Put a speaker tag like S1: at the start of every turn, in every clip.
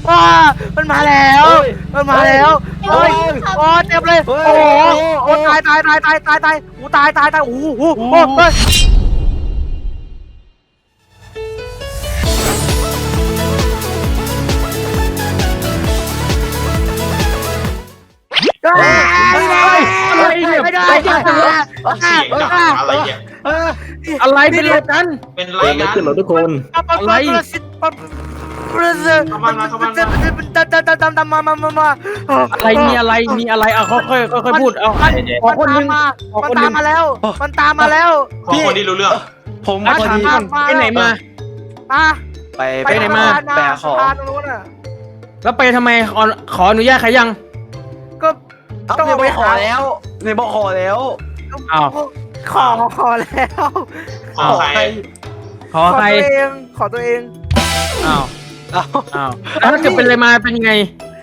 S1: มันมาแล้วมันมาแล้วโอ้ยโอ้เต็มเลยโอ้โหโอ้ตายอู้ตายโอ้โหเฮ้ย
S2: อะไรเนี่ยอะไรเป็นอะไรกัน
S3: เป็นไร
S4: ไม่
S3: กัน
S4: ขึ้นหรอทุกคน
S2: อะไร อะไรมีอะไรเอาค่อยพูดเอาขอคนนึง
S1: มันตามมาแล้ว
S3: ขอคนที่รู้เรื่อง
S5: ผม
S2: ถามก่อนไปไหนมา
S5: ไปไหนมาแปลของ
S2: แล้วไปทำไมขออนุญาตใครยัง
S1: ก็
S5: ต้องไปขอแล้วในบอกขอแล้ว
S2: อ้าว
S1: ขอแล้ว
S3: ขอใคร
S2: ขอใคร
S1: ขอตัวเอง
S2: อ้าวแล้วถ้าเกิดเป็นอะไรมาเป็นยังไง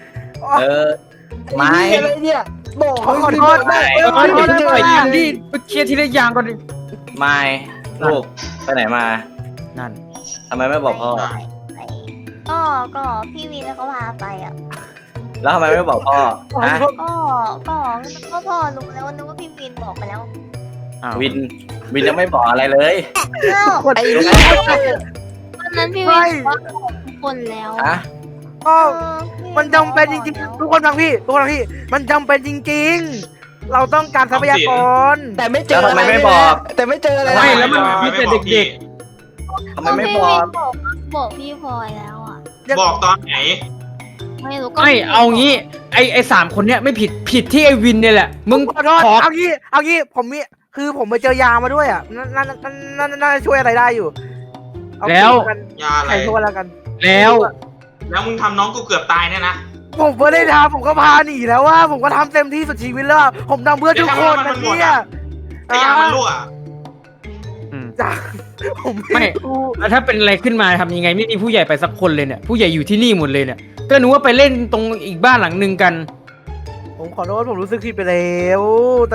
S5: ไม่อะไรเนี่ยบอก
S1: ขอโทษ
S2: เดี๋ยวไปดิไปเคลียร์ทีละอย่างก่อนดิ
S6: ไม่ลูกไปไหนมา
S2: นั่น
S6: ทำไมไม่บอกพ่อ
S7: ก็พี่วินเขาพาไปอ่ะ
S6: แล้วทำไมไม่บอกพ่อฮะ
S7: ก็พ่อรู้แล้วนึกว่าพี่วินบอกไปแล้ว
S2: อ้าว
S6: วินยังไม่บอกอะไรเลย
S7: อ้าว
S1: ไอ้นี่
S7: วันนั้นพี่วินบอกทุกคนแล้ว
S6: ฮะ
S1: มันจำเป็นจริงๆทุกคนฟังพี่มันจำเป็นจริงๆเราต้องการทรัพยากร
S5: แต่ไม่เจอ
S6: แล้วทำไมไม่บอก
S5: แต่ไม่เจออะไร
S2: ไม่แล้วมันมีแต่เด็ก
S6: ทำไมไม่บอก
S7: บอกพี่พลอยแล้วอ่ะ
S3: บอกตอนไหน
S7: ไม่รู้
S2: ๆ
S7: ก็
S2: ไม่เอางี้ไอ้3 คนเนี้ยไม่ผิดที่ไอ้วินเนี่ยแหละมึง
S1: ขอโทษ
S2: ขอ
S1: เอางี้ผมไปเจอยามาด้วยอ่ะน่าจะช่วยอะไรได้อยู่
S2: แล้ว
S3: ยาอะไร
S1: ใครช่วยแล้วกัน
S2: แล้ว
S3: แล้วมึงทำน้องกูเกือบตายเนี่ยนะ
S1: ผมไม่ได้ทำผมก็พาหนีแล้วว่าผมก็ทำเต็มที่สุดชีวิตแล้วผมทำเพื่อทุกคนนะเนี่ย
S3: แต่ยามันรั่ว
S1: จ้าผม
S2: ไม่แล้วถ้าเป็นอะไรขึ้นมาทำยังไงไม่มีผู้ใหญ่ไปสักคนเลยเนี่ยผู้ใหญ่อยู่ที่นี่หมดเลยเนี่ยก็นึกว่าไปเล่นตรงอีกบ้านหลังนึงกัน
S1: ผมขอโทษผมรู้สึกผิดไปแล้วแต่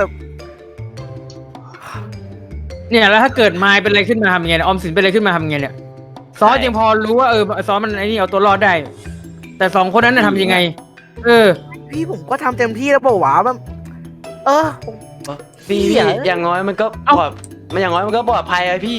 S2: เนี่ยแล้วถ้าเกิดมายเป็นอะไรขึ้นมาทำยังไงเนี่ยออมสินเป็นอะไรขึ้นมาทำยังไงเนี่ยซอสยังพอรู้ว่าซอสมันไอ้นี่เอาตัวรอดได้ แต่2 คนนั้นน่ะทำยังไง
S1: พี่ผมก็ทำเต็มที่แล้วบอกว่าแบบผม
S5: พี่อย่างน้อยมันก็ปลอดมันอย่างน้อยมันก็ปลอดภัยอะพี่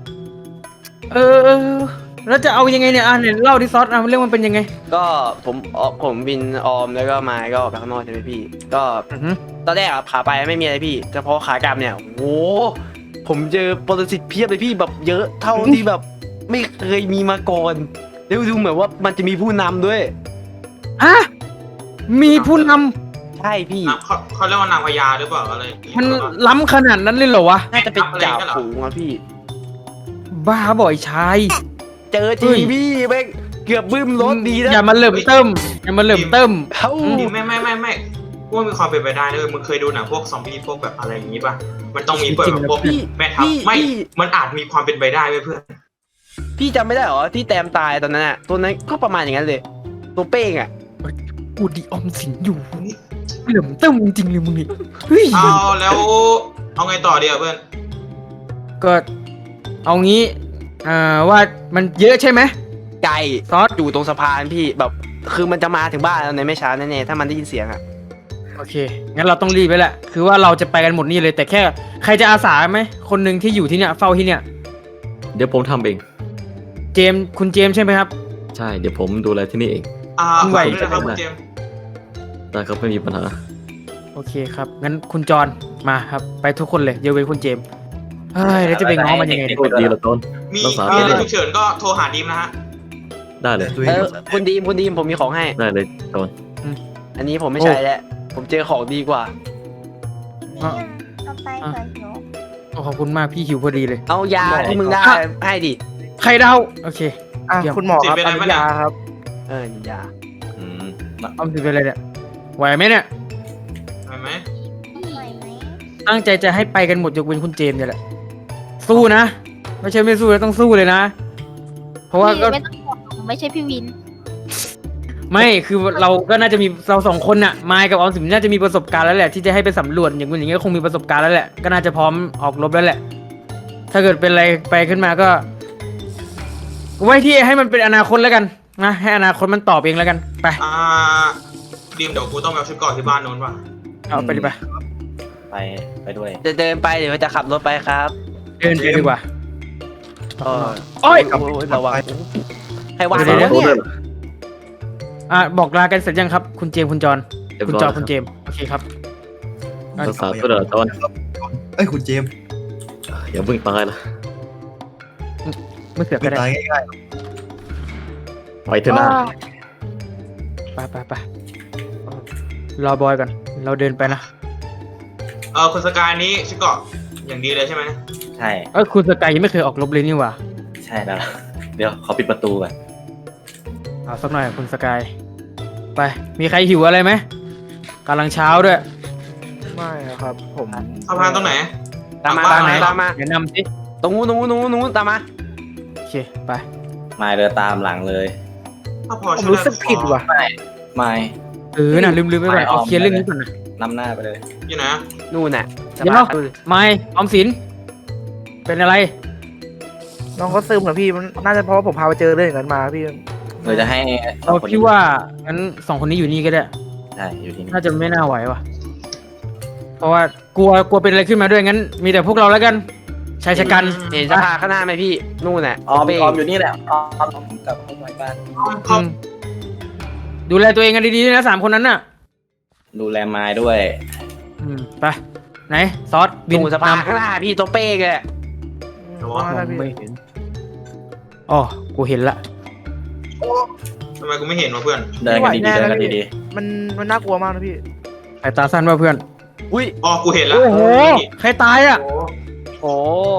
S2: แล้วจะเอายังไงเนี่ยเนี่ยเล่าที่ซอสเรื่องมันเป็นยังไง
S5: ก็ผมวินออมแล้วก็มายก็ออกไปข้างนอกใช่ไหมพี่ ก็
S2: อือฮึ
S5: ตอนแรกอะขาไปไม่มีอะไรพี่แต่พอขากลับเนี่ยโอ้ผมเจอปรสิตเพียบเลยพี่แบบเยอะเท่าที่แบบไม่เคยมีมาก่อนแล้วดูเหมือนว่ามันจะมีผู้นำด้วย
S2: ฮะมีผู้น
S5: ใช่พี่
S3: เขาเรียกว่านางพญาหรือเปล่าอะไร
S2: ำมันล้ำขนาดนั้นเลยเหรอวะ
S5: น่าจะเป็นจ่าฝูงอะพี่
S2: บ้าบ่อยชาย
S5: เจอจริงพี่แม่งเกือบบึ้มรถดีนะ
S2: อย่ามาเหลิ่มเติมอย่ามาเหลิ่มเติม
S5: เอ้า
S3: ไม่พวกมีความเป็นไปได้เลยมึงเคยดูหนังพวกซอมบี้พวกแบบอะไรอย่างนี้ป่ะมันต้องมีเปิดพวกแม่ทัพไม่มันอาจมีความเป็นไปได้เพื่อน
S5: พี่จำไม่ได้เหรอที่แตมตายตอนนั้นอะตัวนั้นก็ประมาณอย่างนั้นเลย ตัวเป้งอะ
S2: กูดีออมสินอยู่เหลิ่มเติมจริงๆเลยมึงนี่เฮ้ย
S3: เอาแล้วเอาไงต่อเดียวเพื่อน
S2: ก็เอางี้ว่ามันเยอะใช่ไหม
S5: ไก่
S2: ซอส
S5: อยู่ตรงสะพานพี่แบบคือมันจะมาถึงบ้านแล้วในไม่ช้าแน่ๆถ้ามันได้ยินเสียงอะ
S2: โอเคงั้นเราต้องรีบไปแหละคือว่าเราจะไปกันหมดนี่เลยแต่แค่ใครจะอาสาไหมคนหนึ่งที่อยู่ที่เนี่ยเฝ้าที่เนี่ย
S4: เดี๋ยวผมทำเอง
S2: คุณเจมส์ใช่ไหมครับ
S4: ใช่เดี๋ยวผมดูแลที่นี่เอง
S3: ไหวนะครับคุณเจม
S4: ได้ครับไม่มีปัญหา
S2: โอเคครับงั้นคุณจรมาครับไปทุกคนเลยยกเว้นคุณเจมส์เฮ้ยแล้วจะไปง้อมันยังไงเนี่ย
S4: โอ้ดีละต้น
S3: มี
S4: รักษา
S3: อะไร
S4: ได้
S3: ฉุกเฉินก็โทรหาดีมนะฮะ
S4: ได้เลย
S5: คุณดีมผมมีของให้
S4: ได้เลยต้น
S5: อันนี้ผมไม่ใช้แล้วผมเจอของดีกว่า
S7: เอาไปก่อนหนู
S2: โอ้ขอบคุณมากพี่หิวพอดีเลย
S5: เอายาที่มึงได้ให้ดิ
S2: ไข่ดาวโอเค
S1: คุณหมอครับอนุญาครับ
S5: ยา
S4: อืม
S2: ออมสินเป็นอะไรเนี่ยไหวไหมเนี่ย
S3: เห็นไหม
S7: ไหวไหม
S2: ตั้งใจจะให้ไปกันหมดยกเว้นคุณเจมส์เนี่ยแหละสู้นะไม่ใช่ไม่สู้แล้วต้องสู้เลยนะ เพราะว่าก็
S7: ไม่ต้องบอกหนูไม่ใช่พี่วิน
S2: ไม่คือเราก็น่าจะมีเรา2 คนน่ะมายกับออมสินน่าจะมีประสบการณ์แล้วแหละที่จะให้ไปสำรวจอย่างนี้ก็คงมีประสบการณ์แล้วแหละก็น่าจะพร้อมออกรบแล้วแหละ ถ้าเกิดเป็นอะไรไปขึ้นมาก็ไว้ที่ให้มันเป็นอนาคตแล้วกันนะให้อนาคตมันตอบเองแล้วกันไป
S3: ดีมเดี๋ยวกูต้องไปเอาชุดเก่อนที่บ้านโน้นว่ะ
S2: เอาไปดิไป
S6: ไปด้วย
S5: จะเดินไปหรือว่าจะขับรถไปครับ
S2: เดินไปดีกว่า
S5: โอ้ยระวังให้วาง
S2: เดี๋ยว
S5: เนี่ย
S2: บอกลากันเสร็จยังครับ คุณเจมส์คุณจอน
S4: เรียบ
S2: คุณ
S4: ร้อย
S2: จอ
S4: แล้ว
S2: คุณเจมส์โอเคครับ
S4: ภาษาตัวเดือดจอน
S8: เอ้ยคุณเจมส์
S4: อย่าเพิ่งตายนะ
S2: ไม่เสือก
S8: ไม่
S2: ก็ได้
S8: ตายง่าย
S4: ไปเถอะนะ
S2: ไปรอบอยก่อนเราเดินไปนะ
S3: คุณสกายนี้ชุดเกาะอย่างดีเลยใช่ไหม
S6: ใช่
S2: คุณสกายยังไม่เคยออกรบเลยนี่หว่า
S6: ใช่แล้วเดี๋ยวขอปิดประตูก่อน
S2: เอาสักหน่อยคุณสกายไปมีใครหิวอะไรไหมกำลังเช้าด้วย
S1: ไม่ครับ ผม
S3: สะพานตรงไหน
S5: ตามมา
S3: บ้านไหน
S5: ตามมา
S2: แนะนำสิ
S5: ตรงนู้นตามมา
S2: โอเคไป
S6: ไม่เดินตามหลังเลย
S3: ถ้าพอ
S1: ผม
S3: ช่วย
S1: รู้สึกผิดว่ะ
S6: ไม่
S2: น่ะลืมไปก่อนเอาเคลียร์เรื่องนี้ก่อนนะ
S6: นำหน้าไปเลย
S3: อยู่ไหน
S5: นู่นน่ะ
S2: เดี๋ยวไม่ออมสินเป็นอะไร
S1: น้องเขาซึมเหรอพี่มันน่าจะเพราะว่าผมพาไปเจอเรื่องอย่างนั้นมาพี่
S6: เราจะให้
S2: เอาพี่ว่างั้นสองคนนี้อยู่นี่ก็ได้
S6: ใช่อยู่ที่นี่
S2: น่าจะไม่น่าไหวว่ะ เพราะว่ากลัวเป็นอะไรขึ้นมาด้วยงั้น มีแต่พวกเราแล้วกันชายชะกัน
S5: เห็นสภาข้างหน้าไหมพี่นู่นน่ะ
S6: ออม
S5: เป้
S6: อยู่นี่แหละออมกลับเข้าไปบ้าน
S2: อืมดูแลตัวเองกันดีๆด้วยนะสามคนนั้นน่ะ
S6: ดูแลไม้ด้วย
S2: ไปไหนซอสบิน
S5: นู่นสภาข้างหน้าพี่ตัวเป้แก
S2: ไม่เห็นอ๋อกูเห็นละ
S3: ทำไมกูไม่เห็นวะเพื่อน
S6: เดินกันดีๆเดินกันดี
S1: มันน่ากลัวมากนะพี่
S2: สายตาสั้นว่าเพื่อน
S5: อุ้ย
S3: อ๋อกูเห็นแล้ว
S2: โอ้โหใครตายอ่ะ
S5: โอ้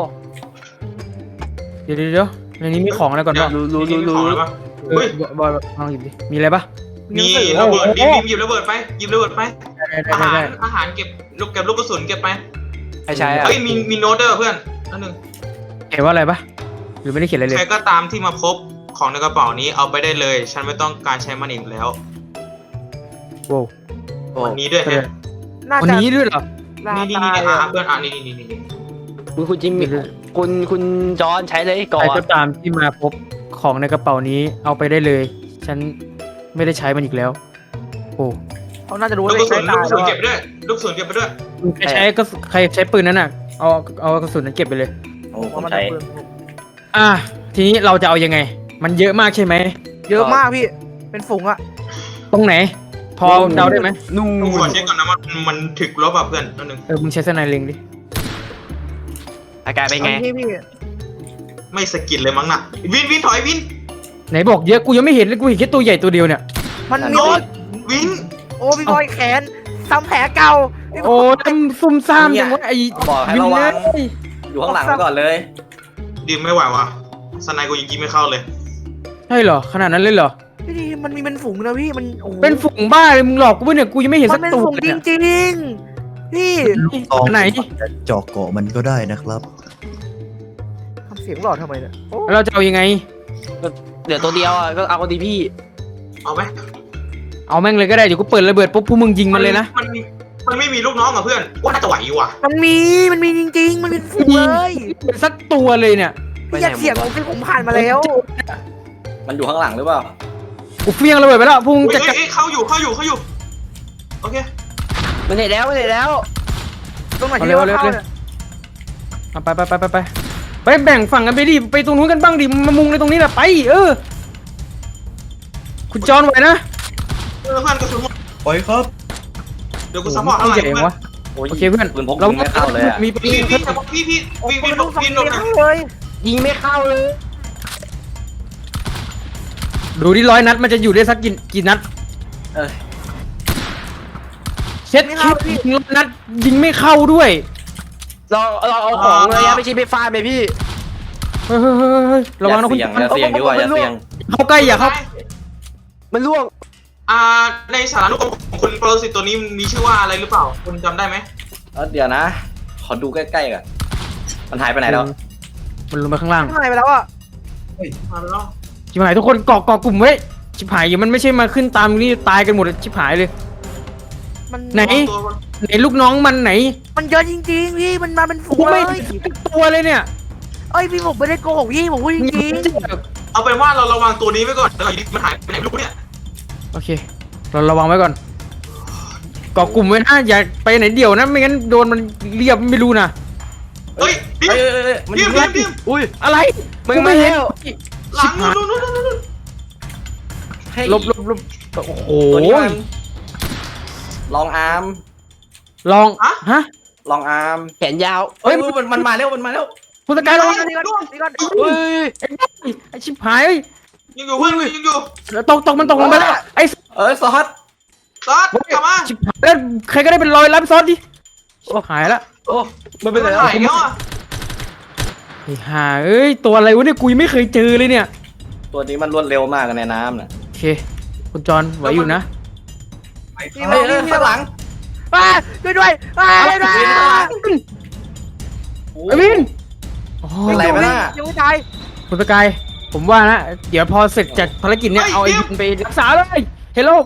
S2: เดี๋ยวในนี้มีของอะไรก่อน
S3: เดี๋ยว
S2: บ้าง
S3: รู้ของแล้วปะ
S2: เฮ้ยบอยลองหยิบดิมีอะไรปะ
S3: มีระเบิดดิมหยิบระเบิดไปหยิบระเบิดไป
S2: ได้
S3: อาหารเก็บลูกกระสุนเก็บไป
S5: ไม่ใช่อ่ะ
S3: เฮ้ยมีโน้ตเด้อเพื่อนนั่นหนึ่ง
S2: เขียนว่าอะไรปะหรือไม่ได้เขียนอะไรเลย
S3: ใครก็ตามที่มาพบของในกระเป๋านี้เอาไปได้เลย ฉันไม่ต้องการใช้มันอีกแล้ว
S2: โว้ว
S3: วันนี้ด้วยฮะ
S1: น่า
S2: วัน
S1: จะ
S2: นี้ด้วยเหรอ
S1: ลา
S3: นี่
S1: ตาย
S3: เพื่อนนี่
S5: คุณจิมมี่คุณจอนใช้เลยก่อ
S2: ใคร
S5: น
S2: ก็ตามที่มาพบของในกระเป๋านี้เอาไปได้เลย ฉันไม่ได้ใช้มันอีกแล้ว โอ้
S1: เขาน่าจะรู้
S3: ลู
S1: ว่าก
S3: กระสุ
S1: ใช้
S3: น
S1: ตาย
S3: เก็บไปด้วยลูกกระสุนเก็บไปด้วย
S2: ใครใช้ก็ใครใช้ปืนนั้นน่ะเอากระสุนนั้นเก็บไปเลย
S6: ๆโอ้ผ
S1: ว่าม มัน
S6: ใช้
S1: เปลือง
S2: ทีนี้เราจะเอายังไง มันเยอะมากใช่ไหม
S1: เยอะมากพี่ เป็นฝูงอะ
S2: ตรงไหน พอเดาได้ไหม
S5: นู่
S3: ต้องขอน เช็คก่อนนะมันถึกลบอ่ะเพื่อนนั่นหนึ่ง
S2: มึงใช้สไนเล็งดิ
S5: อาการเป็นไง
S1: พี่
S3: ไม่สกินเลยมั้งน่ะวินถอยวิน
S2: ไหนบอกเยอะกูยังไม่เห็นเลยกูเห็นแค่ตัวใหญ่ตัวเดียวเนี่ย
S1: มันมี
S3: โน้ตวิน
S1: โอ้พี่บอยแขนซ้ำแผลเก่าพี่บ
S2: โอ้
S1: อย
S2: ทำซุ่มซ่ามจังวะไอ้
S6: บอกให้
S2: วิน
S6: ระวั
S2: เล
S6: ง
S2: ย
S6: อยู่ข้างหลังไว้ก่อนเลย
S3: ดิมไม่ไหววะสไนกูยิงไม่เข้าเลย
S2: ใช่เหรอขนาดนั้นเลยเหรอ
S1: พี่ดีมันมีเป็นฝูงนะพี่มันโอ้โห
S2: เป็นฝูงบ้าเลยมึงหลอกกูปะเนี่ยกูยังไม่เห็น
S1: มั
S2: สั
S1: น
S2: ก
S1: เป็น
S2: ตัว
S1: ฝูง
S2: เลย
S1: จ
S2: เนี่ย
S1: ริงๆพี่
S8: ตอง
S2: ไหน
S8: จะเจาะเกาะมันก็ได้นะครับ
S1: ทำเสียงหลอดทำไมเนี่ยโอ้
S2: แล้วเราจะเอายังไง
S5: เดี๋ยวตัวเดียวอ่ะก็เอาดีพี่
S3: เอาไหม
S2: เอาแม่งเลยก็ได้เดี๋ยวกูเปิดระเบิดปุ๊บพวกมึงยิงมันเลยนะ
S3: มันไม่มีลูกน้องอ่ะเพื่อนว่าน่าจะไหวอยู่ว่ะ
S1: มันมีจริงๆ มันเป็นฝูงเลย
S2: เป็นสักตัวเลยเนี่ย
S1: พี่อยากเสียงผมผ่านมาแล้ว
S6: มันอยู่ข้างหลังหรือเปล่า
S2: กูเฟี้ยงระเบิดไปแล้วพวกมึงจะ
S3: เฮ้ยเข้าอยู่โอเค
S5: มันเห็นแล้ว
S1: ตรงไหนที่เรียกว่าเข้าเนี่ย
S2: เอาไปแบ่งฝั่งกันไปดิไปตรงนู้นกันบ้างดิมามุงในตรงนี้แหละไปคุณจอนไหวนะ
S3: เพื่อนกระสุนหมด
S8: ปล่อยครับ
S3: เดี๋ยวกูซัพพอร์ต
S2: โอ้
S3: ข้าง
S2: โห
S3: หลัง
S2: ใหญ่
S3: เพื่อน
S2: วะโอเคเพื่อน
S6: ปืนพกยิงไม่เข้าเลยอะ
S2: มีปืน
S3: พี่
S2: เพิ่ม
S3: วิน
S1: ลูกสอง
S3: วิน
S1: เสียงเลย
S5: ยิงไม่เข้าเลย
S2: ดูที่100 นัดมันจะอยู่ได้สักกี่นัด
S6: เอ้ย
S2: เช็ดคิดยิง100 นัดยิงไม่เข้าด้วย
S5: เราเอาของเลยไม่ใช่ไปฟาดไปพี่
S2: เฮ้ยระวังนะคุณ
S6: อย่าเสี่ยงดีกว่าอย่าเสี่ยง
S2: เข้าใกล้อย่าเข้า
S5: มันล่วง
S3: ในสารานุกรมของคุณปรสิตตัวนี้มีชื่อว่าอะไรหรือเปล่าคุณจำได้ไหม
S6: เดี๋ยวนะ ขอดูใกล้ๆก่อนมันหายไปไหนแล้ว
S2: มันลงไปข้างล่าง
S1: หายไปแล้วอ่ะ
S3: มาแล้ว
S2: ชิบหายทุกคนเกาะกลุ่มไว้ชิบหายอย่ามันไม่ใช่มาขึ้นตามนี่ตายกันหมดชิบหายเลย
S1: มัน
S2: ไหน ไหนลูกน้องมันไหน
S1: มันเยอะจริงๆพี่มันมาเป็นฝูง
S2: กู
S1: เล
S2: ไม่
S1: ย
S2: เห็นสักตัวเลยเนี่ย
S1: เอ้ยพี่ผมไม่ได้โกหกพี่ผมพูดจริง
S3: เอาเป็นว่าเราระวังตัวนี้ไว้ก่อนแล้วอยู่ดีมันหายไปไหนไม่รู้เนี่ย
S2: โอเค เราระวังไว้ก่อนเกาะกลุ่มไว้นะอย่าไปไหนเดี่ยวนะไม่งั้นโดนมันเรียบไม่รู้นะ
S3: เฮ้ยดิม
S6: มัน
S3: ดิ
S6: ยิ
S3: ม
S6: ง
S3: ดิมดิม
S5: อุ้ย
S2: อะไร
S5: มึง
S2: กู
S5: มา
S2: เห็น
S5: แล้ว
S3: หลังนู่นนู่นนู่นนู่น
S6: ให้
S2: ลบโอ้โห
S6: ตัวนี้มันลองอาร์ม
S2: ลองฮะ
S6: ลองอาร์ม
S5: แขนยาว
S6: เฮ้ยมันมาแล้วมันมาแล้ว
S2: คุณสกายระวัง
S1: นี่ก่อนนี่ก่อน
S5: เฮ้ย
S2: ไอ้ชิบหายเอ้ย
S3: ยังอยู่เพื่อนยังอยู่
S2: ตกมันตกลงไปแล้วไอ้
S6: ซอส
S3: ซอสกลับมา
S2: ชิบหายแล้วใครก็ได้เป็นรอยรับซอสดิโอ้หายละ
S5: โอ้มันเป็น
S3: มั
S5: ไร
S3: น
S5: แล้ว
S3: หายแล้วอ่ะ
S2: ไอ้ห่าเอ้ยตัวอะไรวะเนี่ยกูยังไม่เคยเจอเลยเนี่ย
S6: ตัวนี้มันรวดเร็วมากในน้ำน่ะ
S2: โอเคคุณจอนไหวอยู่นะ
S1: นี่
S6: เฮ้
S1: มาย
S6: ข้างหลัง
S1: ช่วยด้วยช่วยด้วย
S2: ไอ้วินโอ้
S6: เป็นไรไหมน่ะ
S1: ยังไม่ตาย
S2: คุณสกายผมว่านะเดี๋ยวพอเสร็จจากภารกิจเนี่ยเอาไอ้วินไปรักษาเลยเฮลโล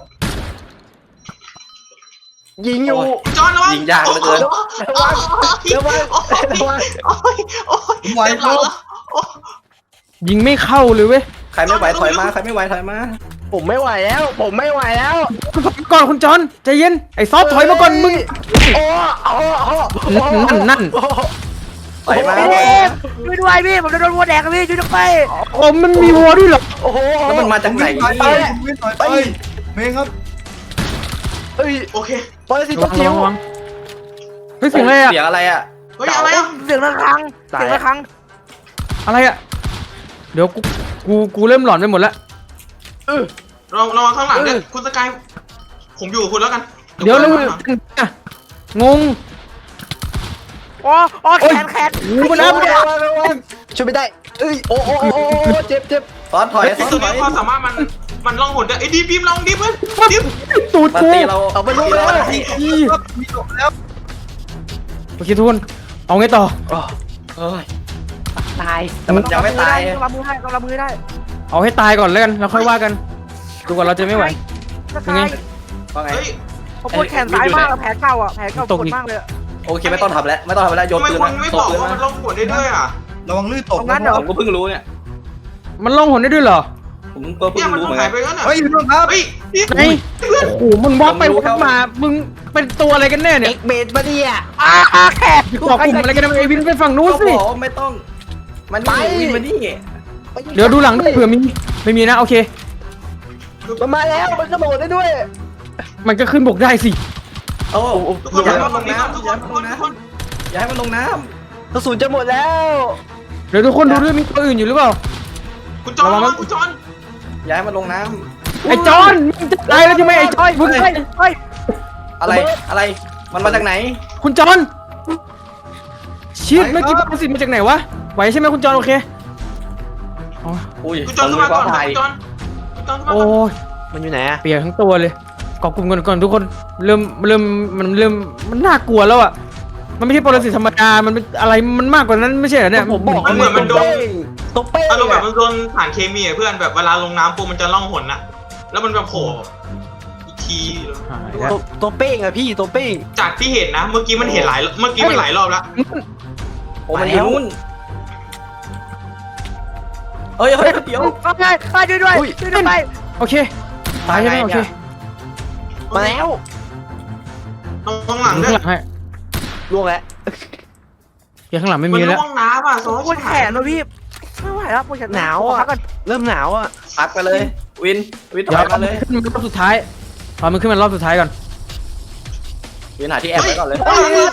S5: ยิงอยู่
S3: จอนระวัง
S6: ยิงยากเหลือเกิน
S3: ระวังระวังระวังโอ้ยโอ้ย
S8: ผมไหวครับ
S2: ยิงไม่เข้าเลยเว้ย
S6: ใครไม่ไหวถอยมาใครไม่ไหวถอยมา
S5: ผมไม่ไหวแล้ว ผมไม่ไหวแล้ว
S2: ก่อนคุณจอนใจเย็นไอ้ซอสถอยมาก่อนมึง
S5: โอ้โอ้โอ้
S2: นั่น
S6: ถอยมา
S1: ช่วยด้วยพี่ผมจะโดนวัวแดกพี่ช่วยด้วย
S2: โอ้มันมีวัวด้วยเหรอ
S5: โอ้โห
S6: แล้วมันมาจากไหน
S8: วิ่งถอยไปวิ่งถอยไปเมงครับ
S5: เฮ้ย
S3: โอเค
S5: ปรสิต
S2: ระ
S5: ตัว
S2: วัง
S5: จิ๋ว
S2: เฮ้ยเสียงอะไรอะ
S6: เสียงอะไรอ่ะ
S3: เฮ้ยอะไรอ่ะ
S1: เสียงระฆังเสียงระฆัง
S2: อะไรอะเดี๋ยวกูเริ่มหลอนไปหมดแล้ว
S3: ระวังข้างหลังด้วยคุณสกายผมอยู่กับคุณแล้วกัน
S2: เดี๋ยวแล้ว
S3: ข้างหลัง
S2: งง
S1: โอ้แขน
S2: โอ้มันอัพเนี่ย
S5: ช่วยไม่ได้เอ้ยโอ้โอ้โอ้เจ็บเจ็บ
S6: ซอสถอย
S3: ไอ้
S6: ซอส
S3: ตัว
S6: ถ
S3: นี้
S6: อย
S3: ความสามารถมันล่องหนได้ไอ้ดีมลองดิเพื่อนดิม
S2: ตูด
S6: มัน
S2: กู
S6: ตีเรา
S5: เอาไปลูก
S6: ตี
S5: แล้
S6: เรา
S5: ว
S6: ได้
S8: มีจบแล้ว
S2: โอเคทุกคนเอาไงต่อ
S6: เฮ้ย
S5: ตาย
S6: แต่มันยังไม่ตาย
S1: ต้องรับมือให้ต้องรับมือได้
S2: เอาให้ตายก่อนแล้วกันแล้วค่อยว่ากันดูก่อนเราจะไม่ไหว
S1: สกาย
S6: ว่าไง
S3: เฮ้ย
S1: ผมปวดแขนซ้ายมากแผลเก่าอ่ะแผลเก่าปวดมากเลย
S6: โอเคไม่ต้องทำแล้วไม่ต้องทำแล้วโย
S3: ทำ
S6: น
S3: ไม
S6: ปืน
S3: คุ
S6: มา
S3: ณไม่
S6: ต
S3: บอก
S6: ปืน
S3: ว่า
S6: มา
S3: มันล่องหนได้ด้วยอ่ะ
S8: ระวังลื่นตก
S1: ตรงนั้นเดี๋ยว
S6: ผมก็เพิ่งรู้เนี่ย
S2: มันล่องหนได้ด้วยเหรอ
S6: ผมก็เพิ่
S3: เนี่ย
S6: ง
S3: มัน
S6: รู้เหมือน
S3: หา
S6: กั
S3: ย
S6: น
S3: ไปแล้วน่ะ
S8: เฮ้ยพี่น้องครับ
S3: เฮ้ยนี่
S2: ไหนโอ้โหมึงบล็อกไปบล็อกมามึงเป็นตัวอะไรกันแน่เนี่ย
S5: เอ็กเบดมาดิอ่ะ
S1: แขน
S2: บอกกลุ่มอะไรกันนะไอ้วินไปฝั่งนู้น
S6: ก็
S2: สิ
S6: บอกว่าไม่ต้องมันนี่วินมานี่
S2: เดี๋ยวดูหลังด้วยเผื่อมีไม่มีนะโอเค
S5: มันมาแล้วมันกระโดดได้ด้วย
S2: มันก็ขึ้นบกได้สิ
S6: โอ้
S3: ทุกคน
S6: อย่าให้
S3: ทุ
S6: มันลงน้ำ
S3: ก
S6: อย่า
S3: คน
S6: ให้
S3: ทุ
S6: มัน
S3: ก
S6: ล
S3: ค
S6: ง
S3: น
S6: น้ำอย่าให้มันลงน้
S5: กระสุนจะหมดแล้ว
S2: เดี๋ยวทุกคนดูด้วยมีตัวอื่นอยู่หรือเปล่า
S3: คุณจอนระวังคุณจอน
S6: ำอย่าให้มันลงน้
S2: ไอ้จอนมึงจะตายแล้วใช่ไหมไอ้จอนมึง
S1: เฮ้ยเฮ้ย
S6: ำอะไรอะไรมันมาจากไหน
S2: คุณจอนชิดเมื่อกี้ปรสิตมาจากไหนวะไหวใช่ไหมคุณจอนโอเคอ๋อ
S6: อุ้ย
S3: คุณจอนขึ้นมาก่อน
S6: ตาย
S3: คุณจอนคุณจอนขึ้นมา
S2: โอ้
S3: ก่อน
S2: ย
S5: มันอยู่ไหนอะ
S2: เปียกทั้งตัวเลยเกาะกลุ่มกันก่อนทุกคนเริ่มมันน่ากลัวแล้วอ่ะมันไม่ใช่ปรสิตธรรมดามันเป็นอะไรมันมากกว่านั้นไม่ใช่เหรอเนี่ย
S5: ผมบอก
S3: มันเหมือนมันโดน
S5: ตัวเป้ง
S3: อารมณ์แบบมันโดนสารเคมีอะเพื่อนแบบเวลาลงน้ำปุ๊บมันจะล่องหนอะแล้วมันแบบโผล่อีกที
S2: หายแล้ว
S5: ตัวเป้งอะพี่ตัวเป้ง
S3: จากที่เห็นนะเมื่อกี้มันเห็นหลายเมื่อกี้มันหลายรอบแล้ว
S6: โอ้มันอยู่นู่นเฮ้ยเฮ้ยเดี๋ยว
S1: โอเคช่วยด้วยช่วยด้วยไป
S2: โอเคตายใช่ไหมโอเค
S5: มาแล้ว
S3: ตรงหลัง
S2: ข้าง
S3: ด้วย
S2: หลังให้
S5: ล่วงแล้ว
S2: เดี๋ยวข้างหลังไม่
S3: มัน
S2: มีแล้ว
S3: ล่วงน้ำอ่ะโซ่
S1: ปวดแขนเลยพี่ไม่ไหวแล้วปวดแขน
S5: หนาวอ่ะ
S1: พักก่อน
S5: เริ่มหนาวอ่ะ
S6: พักไปเลยวินถ
S2: เดี๋ยว
S6: อยมาเลย
S2: ขึ้นมารอบสุดท้ายพอมันขึ้นมารอบสุดท้ายก่อน
S6: วินหาที่แอบไว้ก่อนเลย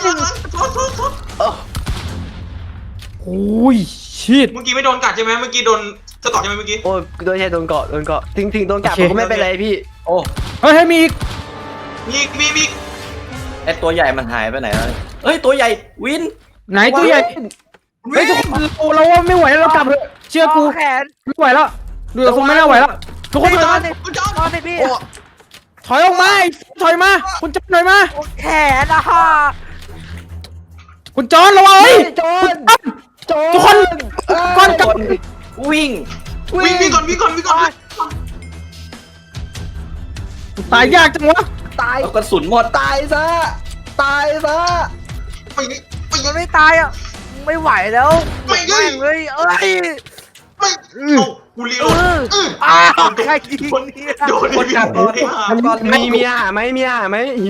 S2: โอ้ยชิด
S3: เมื่อกี้ไม่โดนกัดใช่ไหมเมื่อกี้โดนสะกดใช่ไหมเมื่อกี้
S5: โอ้ยโดนแค่โดนเกาะถึงโดนกัด
S2: โอเค
S5: ผมก็ไม่เป็นไรพี่
S6: โอ้
S2: เฮ้ยมีอีก
S3: มี
S6: ไอตัวใหญ่มันหายไปไหนแล้วเฮ้ยตัวใหญ่วิน
S2: ไหนตัวใหญ่เฮ้ยทุกคนเราว่าไม่ไหวแล้วเรากลับเถอะเชื่อกู
S1: แขน
S2: ไม่ไหวแล้วดูจากทรงไม่น่าไหวแล้วทุกคน
S1: จ
S2: ถ
S1: อ
S2: อน ย
S1: สิ
S3: คุณจอน
S1: จอนสิพี่
S2: ถอยออกมาไอ้ถอยมาคุณจอนถอยมา
S1: แขนอะฮะ
S2: คุณจอนระวังเฮ้ย
S5: โจน
S2: ทุกคนก่อนกลับ
S6: วิ่ง
S3: วิ่งก่อน
S2: ตายยากจังวะ
S5: ตาย
S6: แล้วกระสุนหมด
S5: ตายซะ
S3: ไป
S1: มันไม่ตายอ่ะไม่ไหวแล้ว
S3: ไม่
S1: แม่งเลยเอ้ย
S3: ไม่ไม่เอากูรีโหลด
S1: อ้าวใครยิงเนี่ย
S3: โดน
S6: กดกลับก่อนก่อน
S5: มีอาหารไหมมีอาหารไหมหิว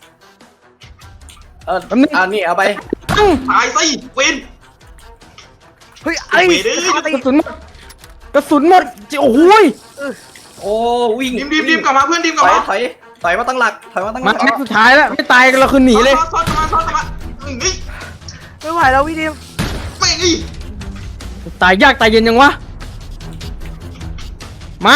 S6: นี่เอาไป
S3: ตายสิเป็น
S1: เฮ้ยไอ้
S3: เวเดอร์
S2: กระสุนหมดกระสุนหมดโอ้โหย
S6: โอ้วิ่ง
S3: ดิมกลับมาเพื่อนดิมกลับ
S6: ถอยมาตั้งหลักถอยมาตั้งห
S2: มา
S6: ลัก
S2: แม็กซ์สุดท้ายแล้วไม่ตายกันเราคือหนีเลย
S3: ซ้อนมานี่
S1: ไม่ไหวแล้วพี่ดิม
S3: ไม่นี่
S2: ตายยากตายเย็นยังวะมา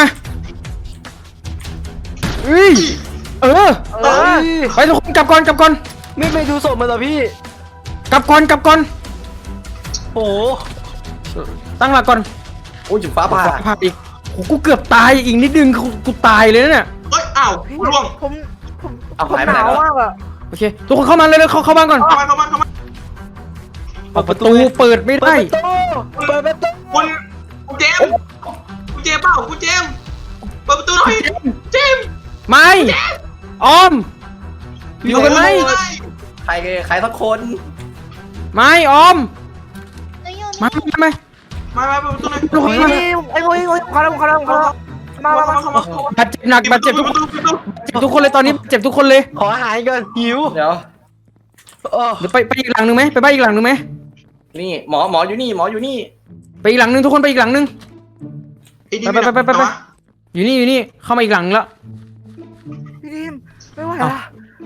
S2: เอ้ยเออ
S1: เออ
S2: ไปทุกคนกลับก่อน
S5: ไม่ดูศพมันเหรอพี่
S2: กลับก่อน
S5: โอ้โห
S2: ตั้งหลักก่อน
S6: โอ้ยจุดฟ้าผ่า
S2: ภาพอีกโอ้กูเกือบตายอีกนิดนึงกูตายเลยนะเนี่ย
S3: เอ้ยอ้าวล่วง
S1: ผม
S6: เอา
S1: ผม
S6: หายไป
S1: ห
S6: ไหน
S1: นาว
S6: แล้ว
S1: มากอะ
S2: โอเคทุกคนเข้ามาเลยเข้าบ้านก่อน
S3: เข้ามา
S2: ประตูเปิดไม่ได้
S5: เปิดประตู
S3: คุณเจมเปล่าคุณเจมเปิดประตูหน่อยเจม
S2: ไม่ออมอยู่กันไหม
S6: ใครสักคน
S2: ไม่ออม
S7: หนูอยู่
S2: มา
S7: นี่
S2: มา
S3: มาเปิดประตูหน่อย
S2: ทุกคน
S1: พี่ดิมไอ้โอ้ยขอแล้วมา
S2: บาดเจ็บหนักบาดเจ็บทุกคนเจ็บทุกคนเลยตอนนี้เจ็บทุกคนเลย
S5: ขออาหารก่อนหิว
S6: เดี๋ยว
S2: เดี๋ยวไปอีกหลังนึงไหมไปบ้านอีกหลังนึงไหม
S6: นี่หมออยู่นี่หมออยู่นี่
S2: ไปอีกหลังนึงทุกคนไปอีกหลังนึง ไปอยู่นี่เข้ามาอีกหลังแล้ว
S1: พี่ดิมไม่ไหวละ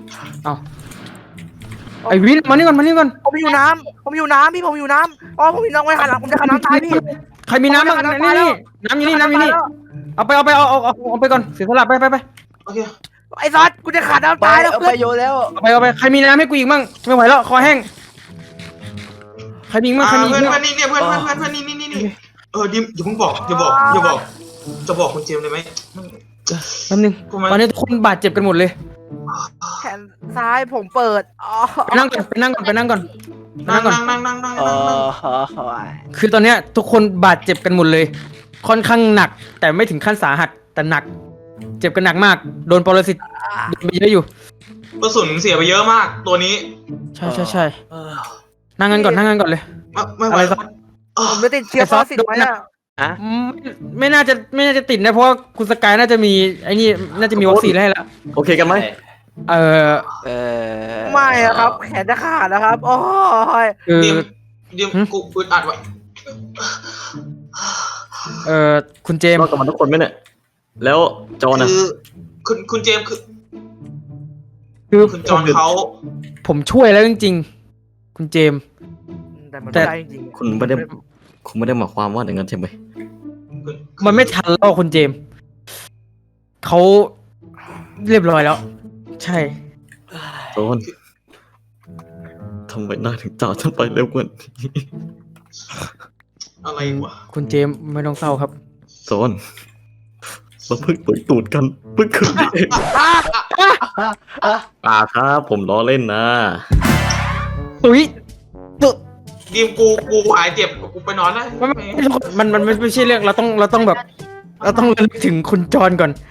S2: ไอ้วินมานี่ก่อน
S1: ผมอยู่น้ำพี่ผมอยู่น้ำอ๋อผมอยู่น้ำไว้หันหลังผมจะหันน้ำตายพี่
S2: ใครมีน้ำบ้างนี่น้ำอยู่นี่เอาไปก่อนเสียสละไป
S3: โอเค
S1: ไอ้ซอสกูจะขาดน้ำ
S5: ไป
S1: ตายแล้ว
S5: เอา
S1: เพื่
S5: ไป
S1: อน
S5: โยนแล้ว
S2: เอาไปใครมีน้ำให้กูอีกมั่งไม่ไหวแล้วคอแห้งใครมีมั่งใครมี
S3: เพื่อน
S2: มั่ง
S3: นี่เนี่ยเพื่อนนี่ดิมอย่าเพิ่งบอกจะบอกคุณเจมเลยไหม
S2: แป๊บนึงตอนนี้ทุกคนบาดเจ็บกันหมดเลย
S1: แขนซ้ายผมเปิดอ๋อ
S2: ไปนั่งก่อน
S3: นั่ง
S2: คือตอนเนี้ยทุกคนบาดเจ็บกันหมดเลย ค่อนข้างหนัก แต่ไม่ถึงขั้นสาหัสแต่หนัก เจ็บกันหนักมากโดนปรสิตโดนไปเยอะอยู่
S3: กระสุนเสียไปเยอะมากตัวนี้
S2: ใช่นั่งกันก่อนเลย
S3: ไม่ไหว
S2: อะไรสัก
S1: ผมจะติดเชื้อ
S2: ไอ้ซ
S1: ป
S2: อ
S1: ร
S2: ส
S1: สิต
S2: โดน
S1: ไว้
S2: นะ
S1: อะ
S2: ไม่น่าจะติดนะเพราะว่าคุณสกายน่าจะมีไอ้นี่น่าจะมีวัคซีนให้แล้ว
S4: โอเคกันไหม
S2: เออ
S1: ไม่อะครับ แขนจะขาดนะครับโอ้ย
S2: คือ
S3: ดิมกูอึดอัดไว้
S2: คุณเจม
S4: รอ
S2: ส์
S4: ดกันมาทุกคนไหมเนี่ยแล้วจอห์นอะ
S3: คือคุณเจมคือ
S2: คือ
S3: คุณจอนเขา
S2: ผมช่วยแล้วจริงๆคุณเจมส์
S1: แต่มันไม่ได้จริง
S4: คุณไม่ได้หมายความว่าอย่างนั้นใช่ไหม
S2: มันไม่ทันแล้วคุณเจมส์เขาเรียบร้อยแล้ว ใช่
S4: จอห์นทำไมหน้าถึงจ่าฉันไปเร็วกว่านี้
S3: อะไรวะ
S2: คุณเจมส์ไม่ต้องเศร้าครับ
S4: จอห์นเราเพิ่งตุยตูดกันเพิ่งคืนนี้เองครับผมล้อเล่นนะ
S2: ตุ้ย
S3: ดิมกูหายเจ็บกูไปนอนแล้ว
S2: มันไม่ใช่เรื่องเราต้องแบบ เราต้องระลึกถึงคุณจอนก่อน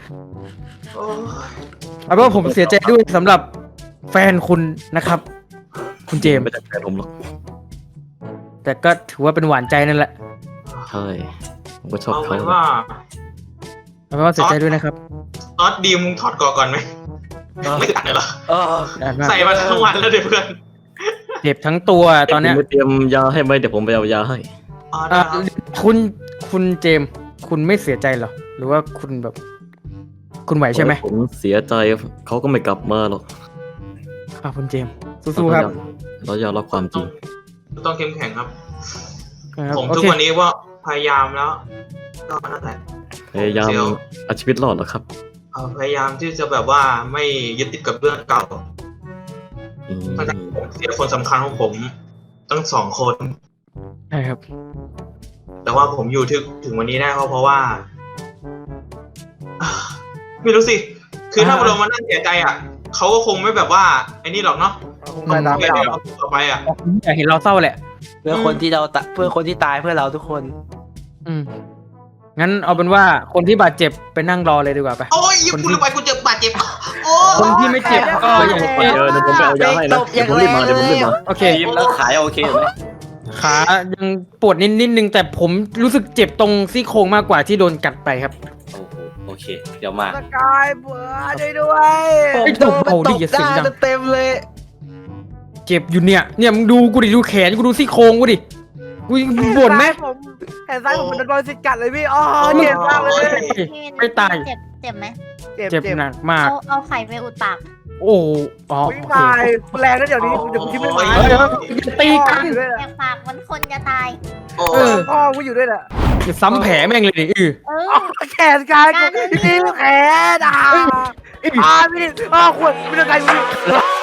S2: เอาเป็นว่าผมเสียใจด้วยสำหรับแฟนคุณนะครับ คุณเจมส์
S4: ไม่ใช่แฟนผมหรอก
S2: แต่ก็ถือว่าเป็นหวานใจนั่นแหละ
S4: ใช่ผมก็ชอบ
S3: เอา
S4: เขา
S3: ไว้ว่า
S2: เอาเป็นว่าเสียใจด้วยนะครับ
S3: ตอนดิมมึงถอดก่อนไหมไม่ตัดเลยเหรอ
S2: อ่านมาก
S3: ใส่มาทั้งวันแล้วเดี๋ยวเพื่อน
S2: เจ็บทั้งตัวตอนเนี้ย
S4: ไม่เตรียมยาให้ไหมเดี๋ยวผมไปเอายาให้
S2: อ่ะคุณเจมส์คุณไม่เสียใจเหรอหรือว่าคุณแบบ คุณไหวใช่ไหม
S4: ผมเสียใจเขาก็ไม่กลับมาหรอก
S2: ครับคุณเจมส์สู้ๆครับ
S4: เรายอมรับความจริง
S3: ต้องเข้มแข็งครับ
S2: ครับ
S3: ผม
S2: โอ
S3: ทุก
S2: เค
S3: วันนี้ว่าพยายามแล้วก็นั่นแหละ
S4: พยายามเอาชีวิตรอดเหรอครับ
S3: พยายามที่จะแบบว่าไม่ยึดติดกับเรื่องเก่า
S4: อืม
S3: ตั้งแต่ผมเสียคนสำคัญของผมตั้ง2 คน
S2: ใช่ครับ
S3: แต่ว่าผมอยู่ถึงวันนี้ได้ก็เพราะว่า ไม่รู้สิ คือถ้าเรามานั่งเสียใจอ่ะเขาก็คงไม่แบบว่าไอ้นี่หรอกเนาะ
S1: คงไม่ได้ไม่ได้หรอก
S3: ต่อไปอ่ะ
S2: อยากเห็นเราเศร้าแหละ
S5: เพื่อคนที่ตายเพื่อเราทุกคน
S2: อืมงั้นเอาเป็นว่าคนที่บาดเจ็บไปนั่งรอเลยดีกว่าไป
S3: โอ้ยยิงกูลงไปกูเจ็บบาดเจ็บโอ้
S2: คนที่ไม่เจ็บก็อย่า
S4: เดี๋ยวผมไปเอายาให้นะเดี๋ยวผมรีบมา
S2: โอเค
S6: ทีมแล้วขายโอเคไหม
S2: ขายังปวดนิดนึงแต่ผมรู้สึกเจ็บตรงซี่โครงมากกว่าที่โดนกัดไปครับ
S6: โอ้โหโอเค เดี๋ยวมา
S1: สกายเบื่อด้วย
S2: ไอ้โดนเอาดิอย่าเสียงดัง
S5: เต็มเลย
S2: เจ็บอยู่เนี่ยมึงดูกูดิดูแขนกูดูซี่โครงกูดิกูบ่นไหม
S1: ผมแขนซ้ายผมเป็นบอลสิกัดเลยพี่อ๋อเจ็บมากเลย
S7: พี่วิน
S2: ไม่ตาย
S7: เจ็บไหม
S2: เจ็บหนักมาก
S7: เอาไข่ไปอุดปาก
S2: โอ้อ๋อ
S1: ไม่
S2: โอเค
S1: ตายแรงนะเดี๋ยวนี้เดี๋ยวคิดไม่ไหว
S2: เฮ้ยตีกัน
S1: ด้วย
S7: แอบปากมันคนจะตาย
S3: โอ้
S2: เออ
S1: พ่อกูอยู่ด้วยแหละ
S2: จะซ้ำแผลแม่งเลยดิ
S7: เออ
S1: แขนกายกูพี่แขนพี่ขวดไม่ต้องการ